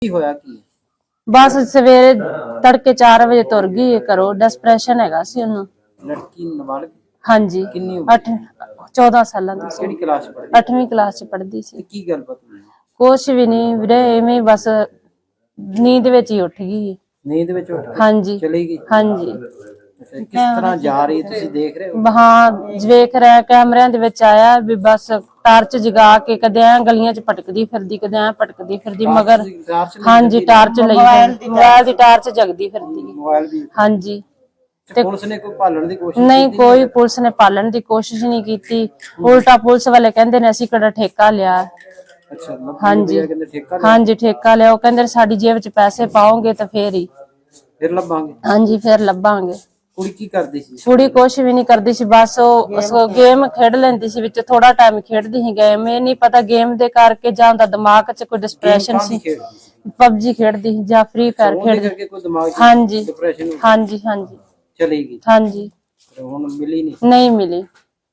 ਕੀ ਹੋਇਆ ਕੀ? बस सवेरे तड़के 4 बजे तुर गई घरों। डिप्रेशन हैगा सी उन्हें। लड़की नाबालिग? हाँ जी, कितनी उम्र? 14 साल दी सी। किहड़ी क्लास च पढ़दी? 8वीं क्लास च पढ़दी सी। ते की गलबात हुई? कुछ भी नहीं वीरे, इवें बस नींद विच ही उठ गई। नींद विच उठ गई? हाँ जी, चली गई? हाँ जी। किस तरह जा रही तुसीं देख रहे हो? हाँ वेख रहा, कैमरिਆਂ ਦੇ ਵਿੱਚ ਆਇਆ ਵੀ बस टार्च जगा के कदे ऐ गलियां च भटकदी फिरदी, कदे ऐ भटकदी फिरदी, मगर हाँ जी टार्च लई मोबाइल दी टार्च जगदी फिरदी। मोबाइल भी? हाँ जी। पुलिस ने कोई भालण दी कोशिश नहीं, कोई पुलिस ने पालन की कोशिश नहीं की। उल्टा पुलिस वाले कहंदे ने असीं किहड़ा ठेका लिया। अच्छा, हाँ जी, हाँ जी ठेका लिया। वो कहंदे साडी जेब च पैसे पाओगे तो फिर ही फिर लभांगे। हाँ जी, फिर लभांगे। कुड़ी की करदी सी? कुड़ी कुछ भी नहीं करदी सी, बस वो गेम खेड लैंदी सी। विच थोड़ा टाइम खेडदी सी गेम। ये नहीं पता गेम दे करके जां दा दिमाग च कोई डिप्रेशन सी। पबजी खेडदी सी जां फ्री फायर खेडदी। हाँ जी, हाँ जी, हाँ जी। चली गई? हाँ जी। हुण मिली नहीं मिली।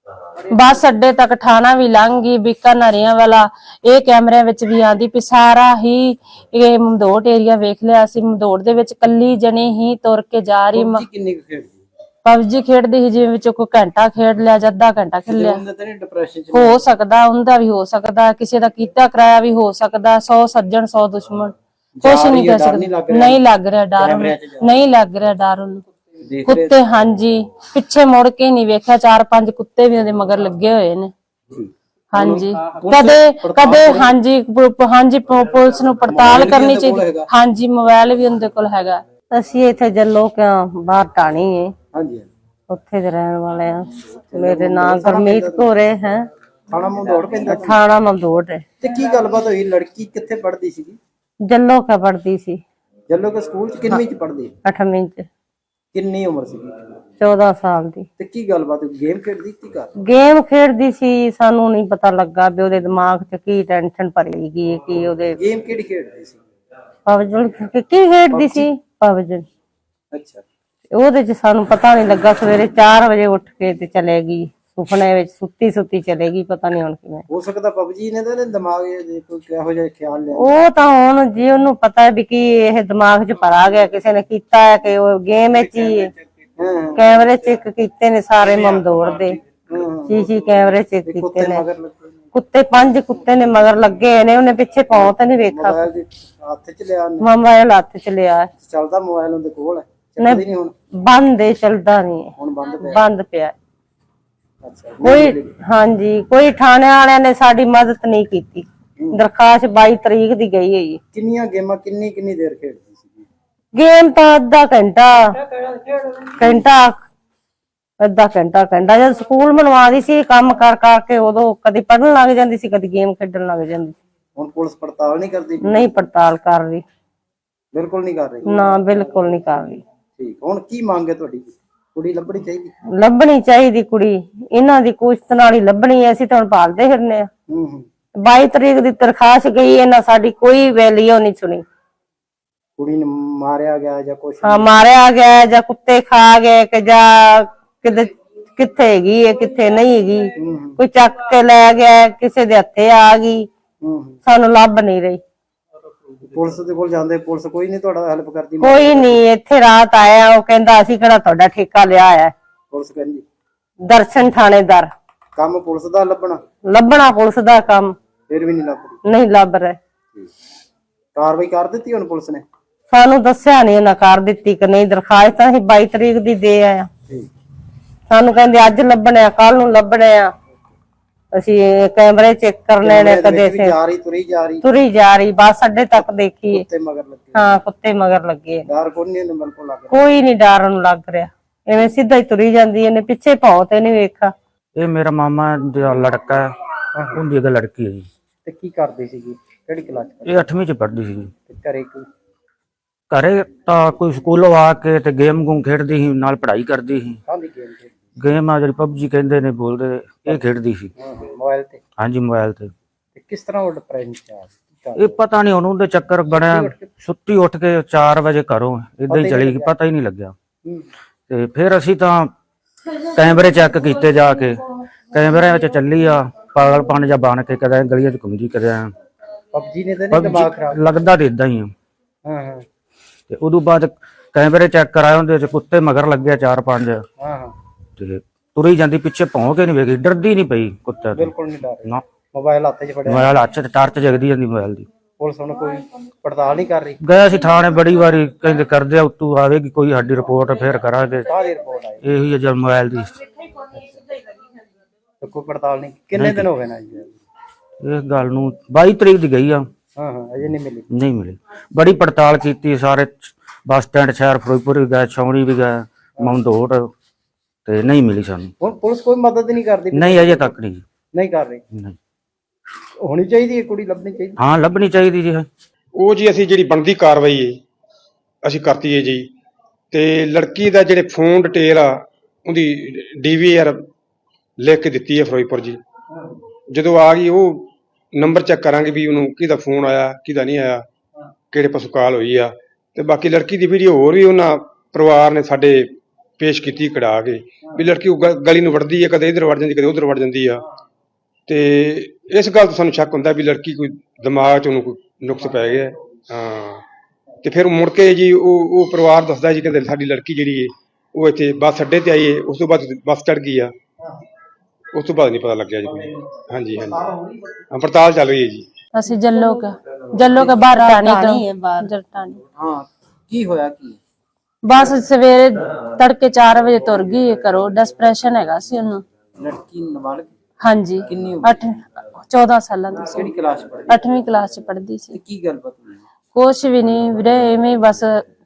बस अड्डे तक ठाणा भी लंघ गई, बीकानेरियां वाला ये कैमरे विच भी आंदी भी सारा ही ये ममदोट एरिया वेख लिया सी। ममदोट दे विच कल्ली जनी ही तुर के जा रही। किन्नी खेडदी? पबजी खेडदी ही जिवें विच कोई घंटा खेड लिया जां अद्धा घंटा खेड लिया। हो सकदा उंदा भी हो सकदा, किसी दा कीता कराया भी हो सकदा। 100 सज्जन 100 दुश्मन, कुछ नहीं कह सकदा। नहीं लग रहा डर, नहीं लग रहा डर उन्हें। कुत्ते हाँ जी पिछे मुड़ के नहीं वेख्या, 4-5 कुत्ते भी उहदे मगर लगे हुए ने। हाँ जी कदे कदे हाँ जी, हाँ जी पुलिस नूं पड़ताल करनी चाहिए। हाँ जी मोबाइल भी उनके कोल हैगा। ਅਸੀਂ ਇੱਥੇ ਜੱਲੋ ਕਿਉਂ ਬਾਹਰ ਢਾਣੀ ਹੈ। ਹਾਂਜੀ, ਉੱਥੇ ਦੇ ਰਹਿਣ ਵਾਲੇ ਆ। ਮੇਰੇ ਨਾਮ ਗੁਰਮੀਤ ਕੌਰ ਹੈ। ਥਾਣਾ ਮਮਦੋੜ ਪੈਂਦਾ? ਥਾਣਾ ਮਮਦੋੜ ਹੈ। ਤੇ ਕੀ ਗੱਲਬਾਤ ਹੋਈ? ਲੜਕੀ ਕਿੱਥੇ ਪੜ੍ਹਦੀ ਸੀ? ਜੱਲੋ ਕਾ ਪੜਦੀ ਸੀ। ਜੱਲੋ ਕੇ ਸਕੂਲ ਚ? ਕਿੰਨਵੀਂ ਚ ਪੜ੍ਹਦੀ? 8ਵੀਂ ਚ। ਕਿੰਨੀ ਉਮਰ ਸੀ? 14 ਸਾਲ ਦੀ। ਤੇ ਕੀ ਗੱਲਬਾਤ ਹੋਈ? ਗੇਮ ਖੇਡਦੀ ਕੀ ਕਰ? ਗੇਮ ਖੇਡਦੀ ਸੀ। ਸਾਨੂੰ ਨਹੀਂ ਪਤਾ ਲੱਗਾ ਵੀ ਉਹਦੇ ਦਿਮਾਗ 'ਚ ਕੀ ਟੈਨਸ਼ਨ ਭਰੀ ਗਈ, ਕੀ ਉਹਦੇ। ਗੇਮ ਕਿਹੜੀ ਖੇਡਦੀ ਸੀ? ਪਬਜੀ ਕੀ ਖੇਡਦੀ ਸੀ? ਪਬਜੀ। ਅੱਛਾ। ਉਹਦੇ 'ਚ ਸਾਨੂੰ ਪਤਾ ਨਹੀਂ ਲੱਗਾ। ਸਵੇਰੇ 4 ਵਜੇ ਉੱਠ ਕੇ ਤੇ ਚਲੇ ਗਈ। ਸੁਪਨੇ ਵਿੱਚ ਸੁੱਤੀ ਸੁੱਤੀ ਚਲੇ ਗਈ। ਪਤਾ ਨਹੀਂ ਹੁਣ ਕਿਵੇਂ। ਹੋ ਸਕਦਾ ਪਬਜੀ ਨੇ ਤਾਂ ਦਿਮਾਗ ਕੋਈ ਕਿਹੋ ਜਿਹਾ ਖਿਆਲ ਲਿਆ। ਉਹ ਤਾਂ ਹੁਣ ਜੀ ਉਹਨੂੰ ਪਤਾ ਵੀ ਕੀ ਇਹ ਦਿਮਾਗ 'ਚ ਭਰਾ ਗਿਆ, ਕਿਸੇ ਨੇ ਕੀਤਾ ਹੈ ਕਿ ਉਹ ਗੇਮ ਵਿੱਚ ਹੀ ਕੈਮਰੇ ਚੈੱਕ ਕੀਤੇ ਨੇ ਸਾਰੇ ਮਮਦੋੜ ਦੇ। ਸੀਸੀ ਕੈਮਰੇ ਚੈੱਕ ਕੀਤੇ ਨੇ। ਕੁੱਤੇ 5 ਕੁੱਤੇ ਨੇ ਮਗਰ ਲੱਗੇ ਨੇ। ਉਹਨੇ ਪਿੱਛੇ ਪਾਉ ਤਾਂ ਨਹੀਂ ਵੇਖਾ। ਹੱਥ ਚ ਲਿਆ? ਮੋਬਾਈਲ ਹੱਥ ਚ ਲਿਆ। ਚੱਲਦਾ ਮੋਬਾਈਲ ਉਹਦੇ ਕੋਲ? ਨਹੀਂ ਹੁਣ ਬੰਦ ਹੈ, ਚੱਲਦਾ ਨਹੀਂ। ਹੁਣ ਬੰਦ ਪਿਆ। ਅੱਛਾ। ਕੋਈ ਹਾਂਜੀ ਕੋਈ ਥਾਣੇ ਵਾਲਿਆਂ ਨੇ ਸਾਡੀ ਮਦਦ ਨਹੀਂ ਕੀਤੀ। ਦਰਖਾਸਤ 22 ਤਰੀਕ ਦੀ ਗਈ ਹੈ ਜੀ। ਕਿੰਨੀਆਂ ਗੇਮਾਂ ਕਿੰਨੀ ਦੇਰ ਖੇਡਦੀ ਸੀ? ਗੇਮ ਤਾਂ ਅੱਧਾ ਘੰਟਾ ਜਦ ਸਕੂਲ ਬਣਵਾਦੀ ਸੀ ਕੰਮ ਕਰ ਕਰਕੇ, ਉਦੋਂ ਕਦੀ ਪੜ੍ਹਨ ਲੱਗ ਜਾਂਦੀ ਸੀ, ਕਦੀ ਗੇਮ ਖੇਡਣ ਲੱਗ ਜਾਂਦੀ ਸੀ। ਹੁਣ ਪੁਲਿਸ ਪੜਤਾਲ ਨਹੀਂ ਕਰਦੀ? ਨਹੀਂ ਪੜਤਾਲ ਕਰ ਰਹੀ। ਬਿਲਕੁਲ ਨਹੀਂ ਕਰ ਰਹੀ? ਨਾ ਬਿਲਕੁਲ ਨਹੀਂ ਕਰ ਰਹੀ। ਠੀਕ। ਹੁਣ ਕੀ ਮੰਗ ਹੈ ਤੁਹਾਡੀ? ਕੁੜੀ ਲੱਭਣੀ ਚਾਹੀਦੀ? ਲੱਭਣੀ ਚਾਹੀਦੀ ਕੁੜੀ। ਇਹਨਾਂ ਦੀ ਕੋਸ਼ਿਸ਼ ਨਾਲ ਹੀ ਲੱਭਣੀ ਹੈ। ਅਸੀਂ ਤਾਂ ਹੁਣ ਭਾਲਦੇ ਫਿਰਨੇ ਆ। 22 ਤਰੀਕ ਦੀ ਦਰਖਾਸਤ ਗਈ, ਇਹਨਾਂ ਸਾਡੀ ਕੋਈ ਵੈਲਿਊ ਨਹੀਂ ਸੁਣੀ। ਕੁੜੀ ਨੂੰ ਮਾਰਿਆ ਗਿਆ ਜਾਂ ਕੁਛ? ਹਾਂ ਮਾਰਿਆ ਗਿਆ ਜਾਂ ਕੁੱਤੇ ਖਾ ਗਏ ਕਿ ਜਾਂ ਕਿੱਥੇ ਹੈਗੀ ਹੈ ਕਿੱਥੇ ਨਹੀਂ ਹੈਗੀ। ਕੋਈ ਚੱਕ ਕੇ ਲੈ ਗਿਆ, ਕਿਸੇ ਦੇ ਹੱਥੇ ਆ ਗਈ। ਸਾਨੂੰ ਲੱਭ ਨਹੀਂ ਰਹੀ। ਪੁਲਿਸ ਦੇ ਕੋਲ ਜਾਂਦੇ, ਪੁਲਿਸ ਕੋਈ ਨਹੀਂ ਤੁਹਾਡਾ ਹੈਲਪ ਕਰਦੀ? ਕੋਈ ਨਹੀਂ। ਇੱਥੇ ਰਾਤ ਆਇਆ, ਉਹ ਕਹਿੰਦਾ ਅਸੀਂ ਕਿਹੜਾ ਤੁਹਾਡਾ ਠੇਕਾ ਲਿਆ ਹੈ। ਪੁਲਿਸ ਕਹਿੰਦੀ? ਦਰਸ਼ਨ ਥਾਣੇਦਾਰ। ਕੰਮ ਪੁਲਿਸ ਦਾ ਲੱਭਣਾ ਪੁਲਿਸ ਦਾ ਕੰਮ। ਫਿਰ ਵੀ ਨਹੀਂ ਲੱਭ ਰਹੀ? ਨਹੀਂ ਲੱਭ ਰਹੇ। ਕਾਰਵਾਈ ਕਰ ਦਿੱਤੀ ਹੁਣ ਪੁਲਿਸ ਨੇ? ਸਾਨੂੰ ਦੱਸਿਆ ਨਹੀਂ ਉਹਨਾਂ ਕਰ ਦਿੱਤੀ ਕਿ ਨਹੀਂ। ਦਰਖਾਸਤ ਤਾਂ ਅਸੀਂ 22 ਤਰੀਕ ਦੀ ਦੇ ਆਇਆ। ਸਾਨੂੰ ਕਹਿੰਦੇ ਅੱਜ ਲੱਭਣੇ ਆ, ਕੱਲ ਨੂੰ ਲੱਭਣੇ ਆ। ਅਸੀਂ ਕੈਮਰੇ ਚੈੱਕ ਕਰਨੇ ਨੇ। ਕਦੇ ਤੁਰੀ ਜਾ ਰਹੀ ਬੱਸ ਅੱਡੇ ਤੱਕ ਦੇਖੀਏ। ਹਾਂ ਕੁੱਤੇ ਮਗਰ ਲੱਗੇ। ਕੋਈ ਨਹੀਂ ਡਰ ਉਹਨੂੰ ਲੱਗ ਰਿਹਾ। ਐਵੇਂ ਸਿੱਧਾ ਹੀ ਤੁਰੀ ਜਾਂਦੀ। ਇਹਨੇ ਪਿੱਛੇ ਪਾਉ ਤੇ ਨਹੀਂ ਵੇਖਾ। ਇਹ ਮੇਰਾ ਮਾਮਾ ਦਾ ਲੜਕਾ ਹੈ, ਉਹਦੀ ਇੱਕ ਲੜਕੀ ਹੈ ਜੀ। ਤੇ ਕੀ ਕਰਦੀ ਸੀਗੀ? ਕਿਹੜੀ ਕਲਾਸ? ਇਹ 8ਵੀਂ ਚ ਪੜ੍ਹਦੀ ਸੀ। ਘਰੇ ਤਾਂ ਕੋਈ ਸਕੂਲੋਂ ਆ ਕੇ ਤੇ ਗੇਮ ਗੂਮ ਖੇਡਦੀ ਸੀ, ਨਾਲ ਪੜ੍ਹਾਈ ਕਰਦੀ ਸੀ। ਗੇਮ ਆ ਜਿਹੜੀ ਪਬਜੀ ਕਹਿੰਦੇ ਨੇ ਬੋਲਦੇ, ਇਹ ਖੇਡਦੀ ਸੀ ਮੋਬਾਈਲ ਤੇ? ਹਾਂਜੀ ਮੋਬਾਈਲ ਤੇ। ਕਿਸ ਤਰ੍ਹਾਂ ਉਹ ਡਿਪਰੈਸ਼ਨ ਚ ਆ? ਇਹ ਪਤਾ ਨਹੀਂ ਉਹਨੂੰ ਦੇ ਚੱਕਰ ਬਣਿਆ। ਸੁੱਤੀ ਉੱਠ ਕੇ 4 ਵਜੇ ਘਰੋਂ ਏਦਾਂ ਹੀ ਚਲੀ ਗਈ, ਪਤਾ ਹੀ ਨਹੀਂ ਲੱਗਿਆ। ਤੇ ਫਿਰ ਅਸੀਂ ਤਾਂ ਕੈਮਰੇ ਚੈੱਕ ਕੀਤੇ ਜਾ ਕੇ। ਕੈਮਰਿਆਂ ਵਿੱਚ ਚੱਲੀ ਆ ਪਾਗਲਪਨ ਜਾਂ ਬਣ ਕੇ, ਕਦੇ ਗਲੀਆਂ ਚ ਘੁੰਮਦੀ, ਕਦੇ ਪਬਜੀ ਨੇ ਤਾਂ ਨਹੀਂ ਦਿਮਾਗ ਖਰਾਬ? ਲੱਗਦਾ ਤੇ ਏਦਾਂ ਹੀ ਆ। ਹਾਂ ਹਾਂ ਤੇ ਉਦੋਂ ਬਾਅਦ ਕੈਮਰੇ ਚੈੱਕ ਕਰਾਏ, ਉਹਦੇ ਚ ਕੁੱਤੇ ਮਗਰ ਲੱਗਿਆ 4-5 ਹਾਂ ਹਾਂ ਤੇ ਤੁਰੀ ਜਾਂਦੀ ਪਿੱਛੇ ਭੌਂ ਕੇ ਨਹੀਂ ਵੇਖੀ, ਡਰਦੀ ਨਹੀਂ ਪਈ ਕੁੱਤੇ ਤੋਂ। ਬਿਲਕੁਲ ਨਹੀਂ ਡਰ ਨਾ ਮੋਬਾਈਲ ਹੱਥ 'ਚ ਫੜਿਆ, ਮੋਬਾਈਲ ਹੱਥ 'ਚ ਟਾਰਚ ਜਗਦੀ ਜਾਂਦੀ ਮੋਬਾਈਲ ਦੀ। ਪੁਲਿਸ ਹੁਣ ਕੋਈ ਪੜਤਾਲ ਨਹੀਂ ਕਰ ਰਹੀ? ਗਿਆ ਸੀ ਥਾਣੇ ਬੜੀ ਵਾਰੀ, ਕਹਿੰਦੇ ਕਰਦੇ ਆ ਉੱਤੋਂ ਆਵੇਗੀ ਕੋਈ ਸਾਡੀ ਰਿਪੋਰਟ, ਫਿਰ ਕਰਾਂਗੇ। ਸਾਰੀ ਰਿਪੋਰਟ ਆਈ ਇਹੀ ਹੈ ਜਦ ਮੋਬਾਈਲ ਦੀ ਤੇ ਕੋਈ ਪੜਤਾਲ ਨਹੀਂ? ਕਿੰਨੇ ਦਿਨ ਹੋ ਗਏ ਨਾ ਜੀ? ਇਸ ਗੱਲ ਨੂੰ 22 ਤਰੀਕ ਦੀ ਗਈ ਆ, ਹਾਂ ਹਾਂ ਅਜੇ ਨਹੀਂ ਮਿਲੀ? ਨਹੀਂ ਮਿਲੀ। ਬੜੀ ਪੜਤਾਲ ਕੀਤੀ ਸਾਰੇ, ਬੱਸ ਸਟੈਂਡ ਸ਼ਹਿਰ ਫਿਰੋਜ਼ਪੁਰ ਵੀ ਗਏ, ਛਾਉਣੀ ਵੀ ਗਏ, ਮੰਦੋੜ, ਤੇ ਨਹੀਂ ਮਿਲੀ ਸਾਨੂੰ। ਹੁਣ ਪੁਲਿਸ ਕੋਈ ਮਦਦ ਨਹੀਂ ਕਰਦੀ? ਨਹੀਂ ਅਜੇ ਤੱਕ ਨਹੀਂ ਜੀ। ਨਹੀਂ ਕਰ ਰਹੀ? ਨਹੀਂ। ਹੋਣੀ ਚਾਹੀਦੀ ਹੈ, ਕੁੜੀ ਲੱਭਣੀ ਚਾਹੀਦੀ। ਹਾਂ ਲੱਭਣੀ ਚਾਹੀਦੀ ਜੀ। ਉਹ ਜੀ ਅਸੀਂ ਜਿਹੜੀ ਬਣਦੀ ਕਾਰਵਾਈ ਹੈ ਅਸੀਂ ਕਰਤੀ ਹੈ ਜੀ। ਤੇ ਲੜਕੀ ਦਾ ਜਿਹੜੇ ਫੋਨ ਡਿਟੇਲ ਆ ਉਹਦੀ DVR ਲਿਖ ਕੇ ਦਿੱਤੀ ਹੈ ਫਿਰੋਜ਼ਪੁਰ ਜੀ। ਜਦੋਂ ਆ ਗਈ ਉਹ ਨੰਬਰ ਚੈੱਕ ਕਰਾਂਗੇ ਵੀ ਉਹਨੂੰ ਕਿਹਦਾ ਫੋਨ ਆਇਆ ਕਿਹਦਾ ਨਹੀਂ ਆਇਆ, ਕਿਹੜੇ ਪਾਸੋਂ ਕਾਲ ਹੋਈ ਆ। ਤੇ ਬਾਕੀ ਲੜਕੀ ਦੀ ਵੀਡੀਓ ਹੋਰ ਵੀ ਉਹਨਾਂ ਪਰਿਵਾਰ ਨੇ ਸਾਡੇ ਪੇਸ਼ ਕੀਤੀ ਕਢਾ ਕੇ, ਵੀ ਲੜਕੀ ਉਹ ਗਲੀ ਨੂੰ ਵੜਦੀ ਹੈ, ਕਦੇ ਇੱਧਰ ਵੜ ਜਾਂਦੀ ਕਦੇ ਉੱਧਰ ਵੜ ਜਾਂਦੀ ਆ। ਤੇ ਇਸ ਗੱਲ ਤੋਂ ਸਾਨੂੰ ਸ਼ੱਕ ਹੁੰਦਾ ਵੀ ਲੜਕੀ ਕੋਈ ਦਿਮਾਗ 'ਚ ਉਹਨੂੰ ਕੋਈ ਨੁਕਸ ਪੈ ਗਿਆ। ਹਾਂ ਤੇ ਫਿਰ ਮੁੜ ਕੇ ਜੀ ਉਹ ਪਰਿਵਾਰ ਦੱਸਦਾ ਜੀ, ਕਹਿੰਦੇ ਸਾਡੀ ਲੜਕੀ ਜਿਹੜੀ ਹੈ ਉਹ ਇੱਥੇ ਬੱਸ ਅੱਡੇ ਤੇ ਆਈ ਹੈ, ਉਸ ਤੋਂ ਬਾਅਦ ਬੱਸ ਚੜ੍ਹ ਗਈ ਆ, ਉਸ ਤੋਂ ਬਾਅਦ ਨਹੀਂ ਪਤਾ ਲੱਗਿਆ ਜੀ ਕੋਈ। ਹਾਂਜੀ ਹਾਂਜੀ ਹਾਂ ਪੜਤਾਲ ਚੱਲ ਰਹੀ ਹੈ ਜੀ। ਅਸੀਂ ਜੱਲੋ ਕੇ ਬਾਹਰ ਟਾਣੀ ਤੋਂ ਜਰਟਾਣੀ। ਹਾਂ ਕੀ ਹੋਇਆ ਕੀ? ਬਸ ਸਵੇਰੇ ਤੜਕੇ 4 ਵਜੇ ਤੁਰ ਗਈ ਘਰੋਂ, ਡਿਸਪ੍ਰੈਸ਼ਨ ਹੈਗਾ ਸੀ ਉਹਨੂੰ। ਲੜਕੀ ਨਾਬਾਲਗ? ਹਾਂਜੀ ਕਿੰਨੀ ਉਮਰ? 14 ਸਾਲਾਂ ਦੀ ਸੀ। ਕਿਹੜੀ ਕਲਾਸ ਪੜ੍ਹਦੀ? 8ਵੀਂ ਕਲਾਸ ਚ ਪੜ੍ਹਦੀ ਤੇ ਸੀ। ਕੀ ਗੱਲਬਾਤ ਹੋਈ? ਕੁਛ ਵੀ ਨਹੀਂ ਵੀਰੇ, ਐਵੇਂ ਹੀ ਬਸ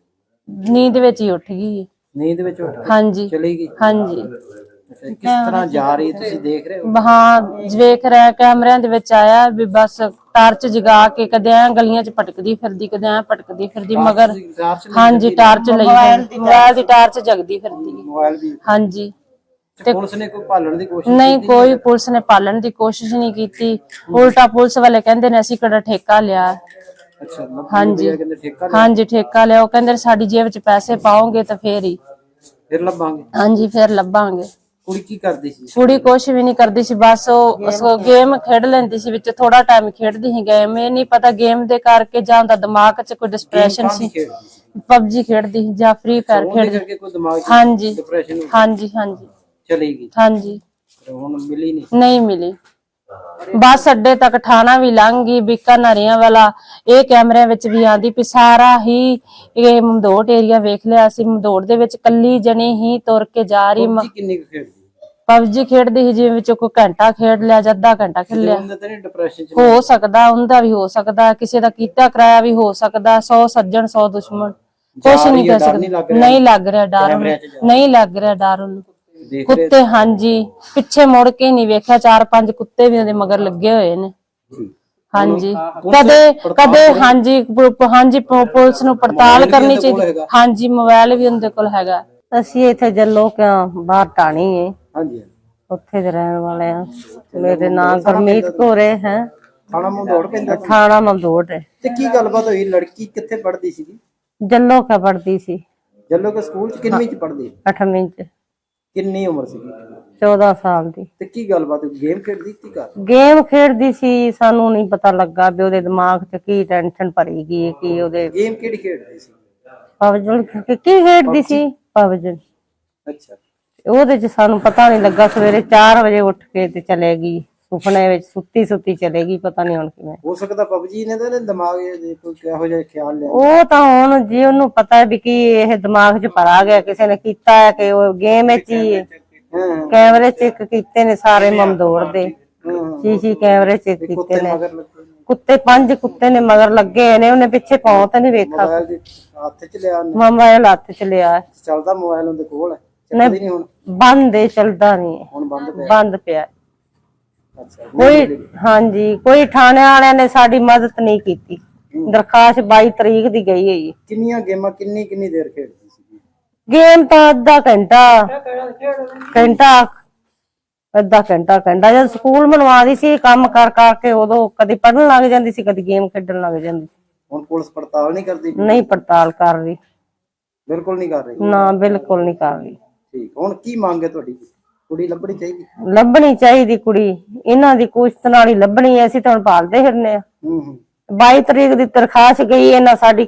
ਨੀਂਦ ਵਿੱਚ ਹੀ ਉੱਠ ਗਈ। ਨੀਂਦ ਵਿੱਚ ਉੱਠ ਕੇ ਹਾਂਜੀ ਚਲੀ ਗਈ? ਹਾਂਜੀ। ਅੱਛਾ, ਕਿਸ ਤਰ੍ਹਾਂ ਜਾ ਰਹੀ ਤੁਸੀਂ ਦੇਖ ਰਹੇ ਹੋ? ਹਾਂ ਵੇਖ ਰਿਹਾ, ਕੈਮਰਿਆਂ ਦੇ ਵਿੱਚ ਆਇਆ ਵੀ ਬਸ ਟਾਰਚ ਜਗਾ ਕੇ ਕਦੇ ਐ ਗਲੀਆਂ 'ਚ ਭਟਕਦੀ ਫਿਰਦੀ, ਕਦੇ ਐ ਭਟਕਦੀ ਫਿਰਦੀ, ਮਗਰ ਹਾਂਜੀ ਟਾਰਚ ਲਈ ਮੋਬਾਈਲ ਦੀ ਟਾਰਚ ਜਗਦੀ ਫਿਰਦੀ। ਮੋਬਾਈਲ ਵੀ? ਹਾਂਜੀ। ਤੇ ਪੁਲਿਸ ਨੇ ਕੋਈ ਭਾਲਣ ਦੀ ਕੋਸ਼ਿਸ਼ ਨਹੀਂ, ਕੋਈ ਪੁਲਿਸ ਨੇ ਪਾਲਣ ਦੀ ਕੋਸ਼ਿਸ਼ ਨਹੀਂ ਕੀਤੀ। ਉਲਟਾ ਪੁਲਿਸ ਵਾਲੇ ਕਹਿੰਦੇ ਨੇ ਅਸੀਂ ਕਿਹੜਾ ਠੇਕਾ ਲਿਆ। ਅੱਛਾ ਹਾਂਜੀ ਕਹਿੰਦੇ ਠੇਕਾ ਹਾਂਜੀ ਠੇਕਾ ਲਿਆ। ਉਹ ਕਹਿੰਦੇ ਸਾਡੀ ਜੇਬ 'ਚ ਪੈਸੇ ਪਾਓਗੇ ਤਾਂ ਫੇਰ ਹੀ। ਫਿਰ ਲੱਭਾਂਗੇ? ਹਾਂਜੀ ਫਿਰ ਲੱਭਾਂਗੇ। ਕੁੜੀ ਕੀ ਕਰਦੀ ਸੀ? ਕੁੜੀ ਕੁਛ ਵੀ ਨਹੀਂ ਕਰਦੀ ਸੀ, ਬਸ ਉਹ ਗੇਮ ਖੇਡ ਲੈਂਦੀ ਸੀ, ਵਿੱਚ ਥੋੜਾ ਟਾਈਮ ਖੇਡਦੀ ਸੀ ਗੇਮ। ਇਹ ਨਹੀਂ ਪਤਾ ਗੇਮ ਦੇ ਕਰਕੇ ਜਾਂ ਉਹਦਾ ਦਿਮਾਗ 'ਚ ਕੋਈ ਡਿਸਪ੍ਰੈਸ਼ਨ ਸੀ। PUBG ਖੇਡਦੀ ਸੀ ਜਾਂ ਫ੍ਰੀ ਫਾਇਰ ਖੇਡਦੀ। ਕੋਈ ਦਿਮਾਗ 'ਚ ਹਾਂਜੀ ਡਿਪਰੈਸ਼ਨ ਹਾਂਜੀ ਹਾਂਜੀ ਚਲੀ ਗਈ? ਹਾਂਜੀ। ਹੁਣ ਮਿਲੀ ਨਹੀਂ? ਨਹੀਂ ਮਿਲੀ। ਬੱਸ ਅੱਡੇ ਤੱਕ ਠਾਣਾ ਵੀ ਲੰਘ ਗਈ, ਬੀਕਾਨੇਰੀਆਂ ਵਾਲਾ। ਇਹ ਕੈਮਰਿਆਂ ਵਿੱਚ ਵੀ ਆਂਦੀ ਵੀ ਸਾਰਾ ਹੀ ਇਹ ਮੰਦੋੜ ਏਰੀਆ ਵੇਖ ਲਿਆ ਸੀ। ਮੰਦੋੜ ਦੇ ਵਿੱਚ ਕੱਲੀ ਜਣੀ ਹੀ ਤੁਰ ਕੇ ਜਾ ਰਹੀ। ਕਿੰਨੀ ਕੁ ਖੇਡਦੀ? PUBG ਖੇਡਦੀ ਸੀ, ਜਿਵੇਂ ਵਿੱਚੋਂ ਕੋਈ ਘੰਟਾ ਖੇਡ ਲਿਆ ਜਾਂ ਅੱਧਾ ਘੰਟਾ ਖੇਡ ਲਿਆ। ਉਹਦਾ ਤਾਂ ਨਹੀਂ ਡਿਪਰੈਸ਼ਨ 'ਚ? ਹੋ ਸਕਦਾ, ਉਹਦਾ ਵੀ ਹੋ ਸਕਦਾ, ਕਿਸੇ ਦਾ ਕੀਤਾ ਕਰਾਇਆ ਵੀ ਹੋ ਸਕਦਾ। 100 ਸੱਜਣ 100 ਦੁਸ਼ਮਣ, ਕੁਛ ਨਹੀਂ ਕਹਿ ਸਕਦੇ। ਨਹੀਂ ਲੱਗ ਰਿਹਾ ਡਰ ਉਹਨੂੰ, ਨਹੀਂ ਲੱਗ ਰਿਹਾ ਡਰ ਉਹਨੂੰ। ਕੁੱਤੇ ਹਾਂਜੀ ਪਿੱਛੇ ਮੁੜ ਕੇ ਨਹੀਂ ਵੇਖਿਆ, 4-5 ਕੁੱਤੇ ਵੀ ਉਹਦੇ ਮਗਰ ਲੱਗੇ ਹੋਏ ਨੇ। ਹਾਂਜੀ ਕਦੇ ਹਾਂਜੀ ਹਾਂਜੀ ਪੁਲਿਸ ਨੂੰ ਪੜਤਾਲ ਕਰਨੀ ਚਾਹੀਦੀ। ਹਾਂਜੀ ਮੋਬਾਈਲ ਵੀ ਉਹਦੇ ਕੋਲ ਹੈਗਾ। ਅਸੀਂ ਇੱਥੇ ਜੱਲੋ ਕਿਉਂ ਬਾਹਰ ਟਾਣੀ ਹੈ, ਹਾਂਜੀ ਉੱਥੇ ਦੇ ਰਹਿਣ ਵਾਲੇ ਆ। ਮੇਰੇ ਨਾਂ ਗੁਰਮੀਤ ਕੌਰੇ ਹੈ, ਥਾਣਾ ਮੰਦੋੜ ਪੈਂਦਾ? ਥਾਣਾ ਮੰਦੋੜ ਹੈ। ਤੇ ਕੀ ਗੱਲਬਾਤ ਹੋਈ? ਲੜਕੀ ਕਿੱਥੇ ਪੜ੍ਹਦੀ ਸੀਗੀ? ਜੱਲੋ ਕਾ ਪੜਦੀ ਸੀ। ਜੱਲੋ ਕੇ ਸਕੂਲ 'ਚ? ਕਿੰਨਵੀਂ 'ਚ ਪੜ੍ਹਦੀ? 8ਵੀਂ ਚ। ਕਿੰਨੀ ਉਮਰ ਸੀਗੀ? 14 ਸਾਲ ਦੀ। ਤੇ ਕੀ ਗੱਲਬਾਤ? ਗੇਮ ਖੇਡਦੀ ਕੀ ਕਰ? ਗੇਮ ਖੇਡਦੀ ਸੀ, ਸਾਨੂੰ ਨਹੀਂ ਪਤਾ ਲੱਗਾ ਵੀ ਉਹਦੇ ਦਿਮਾਗ 'ਚ ਕੀ ਟੈਨਸ਼ਨ ਭਰੀ ਗਈ, ਕੀ ਉਹਦੇ ਗੇਮ ਕਿਹੜੀ ਖੇਡਦੀ ਸੀ? ਪਬਜੀ ਕੀ ਖੇਡਦੀ ਸੀ, ਪਬਜੀ। ਅੱਛਾ। ਉਹਦੇ 'ਚ ਸਾਨੂੰ ਪਤਾ ਨਹੀਂ ਲੱਗਾ। ਸਵੇਰੇ 4 ਵਜੇ ਉੱਠ ਕੇ ਤੇ ਚਲੇ ਗਈ, ਸੁਪਨੇ ਵਿੱਚ ਸੁੱਤੀ ਚਲੇ ਗਈ, ਪਤਾ ਨਹੀਂ ਹੁਣ ਕਿਵੇਂ। ਹੋ ਸਕਦਾ PUBG ਨੇ ਤਾਂ ਦਿਮਾਗ ਕੋਈ ਕਿਹੋ ਜਿਹਾ ਖਿਆਲ ਲਿਆ। ਉਹ ਤਾਂ ਹੁਣ ਜੀ ਉਹਨੂੰ ਪਤਾ ਵੀ ਕੀ ਇਹ ਦਿਮਾਗ 'ਚ ਭਰਾ ਗਿਆ, ਕਿਸੇ ਨੇ ਕੀਤਾ ਹੈ ਕਿ ਉਹ ਗੇਮ ਵਿੱਚ ਹੀ ਕੈਮਰੇ ਚੈੱਕ ਕੀਤੇ ਨੇ ਸਾਰੇ ਮੰਦੋੜ ਦੇ। ਸੀ ਕੈਮਰੇ ਚੈੱਕ ਕੀਤੇ ਨੇ। ਕੁੱਤੇ 5 ਕੁੱਤੇ ਨੇ ਮਗਰ ਲੱਗੇ ਨੇ, ਉਹਨੇ ਪਿੱਛੇ ਪਾਉ ਤਾਂ ਨਹੀਂ ਵੇਖਾ। ਹੱਥ 'ਚ ਲਿਆ? ਮੋਬਾਈਲ ਹੱਥ 'ਚ ਲਿਆ। ਚੱਲਦਾ ਮੋਬਾਈਲ ਉਹਦੇ ਕੋਲ? ਨਹੀਂ ਹੁਣ ਬੰਦ ਹੈ, ਚੱਲਦਾ ਨਹੀਂ। ਹੁਣ ਬੰਦ ਪਿਆ। ਅੱਛਾ। ਕੋਈ ਹਾਂਜੀ ਕੋਈ ਥਾਣੇ ਵਾਲਿਆਂ ਨੇ ਸਾਡੀ ਮਦਦ ਨਹੀਂ ਕੀਤੀ। ਦਰਖਾਸਤ 22 ਤਰੀਕ ਦੀ ਗਈ ਹੈ ਜੀ। ਕਿੰਨੀਆਂ ਗੇਮਾਂ ਕਿੰਨੀ ਦੇਰ ਖੇਡਦੀ ਸੀ? ਗੇਮ ਤਾਂ ਅੱਧਾ ਘੰਟਾ ਜਦ ਸਕੂਲ ਮਨਵਾਦੀ ਸੀ, ਕੰਮ ਕਰ ਕਰਕੇ ਉਦੋਂ ਕਦੀ ਪੜ੍ਹਨ ਲੱਗ ਜਾਂਦੀ ਸੀ, ਕਦੀ ਗੇਮ ਖੇਡਣ ਲੱਗ ਜਾਂਦੀ ਸੀ। ਹੁਣ ਪੁਲਿਸ ਪੜਤਾਲ ਨਹੀਂ ਕਰਦੀ? ਨਹੀਂ ਪੜਤਾਲ ਕਰ ਰਹੀ, ਬਿਲਕੁਲ ਨਹੀਂ ਕਰ ਰਹੀ? ਨਾ ਬਿਲਕੁਲ ਨਹੀਂ ਕਰ ਰਹੀ। ਠੀਕ। ਹੁਣ ਕੀ ਮੰਗ ਹੈ ਤੁਹਾਡੀ? ਕੁੜੀ ਲੱਭਣੀ ਚਾਹੀਦੀ? ਲੱਭਣੀ ਚਾਹੀਦੀ ਕੁੜੀ, ਇਹਨਾਂ ਦੀ ਕੋਸ਼ਿਸ਼ ਨਾਲ ਹੀ ਲੱਭਣੀ ਹੈ। ਅਸੀਂ ਤਾਂ ਹੁਣ ਭਾਲਦੇ ਫਿਰਨੇ ਆ। 22 ਤਰੀਕ ਦੀ ਦਰਖਾਸਤ ਗਈ, ਇਹਨਾਂ ਸਾਡੀ